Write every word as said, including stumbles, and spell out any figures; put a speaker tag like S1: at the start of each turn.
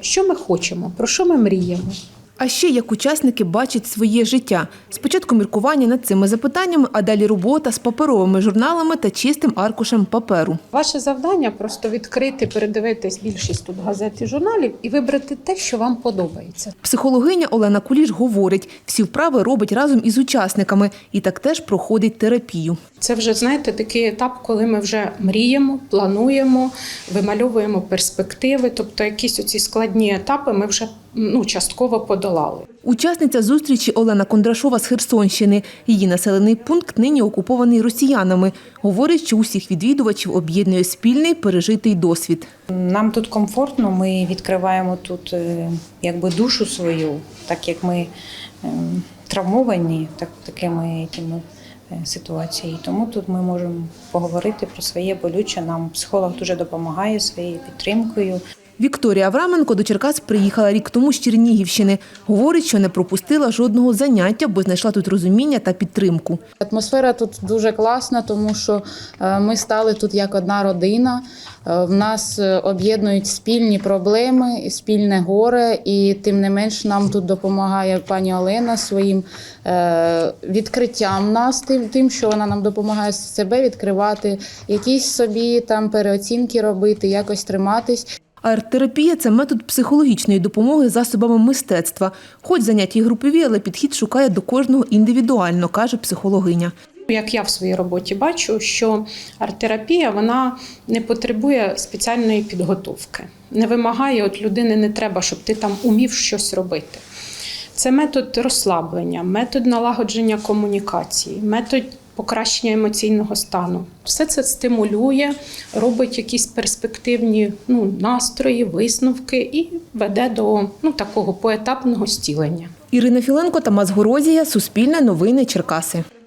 S1: що ми хочемо, про що ми мріємо.
S2: А ще як учасники бачать своє життя. Спочатку міркування над цими запитаннями, а далі робота з паперовими журналами та чистим аркушем паперу.
S1: Ваше завдання – просто відкрити, передивитись більшість тут газет і журналів і вибрати те, що вам подобається.
S2: Психологиня Олена Куліш говорить, всі вправи робить разом із учасниками і так теж проходить терапію.
S1: Це вже, знаєте, такий етап, коли ми вже мріємо, плануємо, вимальовуємо перспективи, тобто якісь оці складні етапи ми вже ну, частково подолали.
S2: Учасниця зустрічі Олена Кондрашова з Херсонщини. Її населений пункт нині окупований росіянами. Говорить, що усіх відвідувачів об'єднує спільний пережитий досвід.
S3: Нам тут комфортно, ми відкриваємо тут якби душу свою, так як ми травмовані так, такими якими ситуаціями. Тому тут ми можемо поговорити про своє болюче. Нам психолог дуже допомагає своєю підтримкою.
S2: Вікторія Авраменко до Черкас приїхала рік тому з Чернігівщини. Говорить, що не пропустила жодного заняття, бо знайшла тут розуміння та підтримку.
S4: Атмосфера тут дуже класна, тому що ми стали тут як одна родина. В нас об'єднують спільні проблеми, спільне горе, і тим не менш нам тут допомагає пані Олена своїм відкриттям нас, тим, що вона нам допомагає себе відкривати, якісь собі там переоцінки робити, якось триматись.
S2: Арт-терапія – це метод психологічної допомоги засобами мистецтва. Хоч заняття і групові, але підхід шукає до кожного індивідуально, каже психологиня.
S1: Як я в своїй роботі бачу, що арт-терапія, вона не потребує спеціальної підготовки. Не вимагає, от людини не треба, щоб ти там умів щось робити. Це метод розслаблення, метод налагодження комунікації, метод покращення емоційного стану. Все це стимулює, робить якісь перспективні ну, настрої, висновки і веде до ну, такого поетапного зцілення.
S2: Ірина Філенко, Тамас Горозія, Суспільне новини, Черкаси.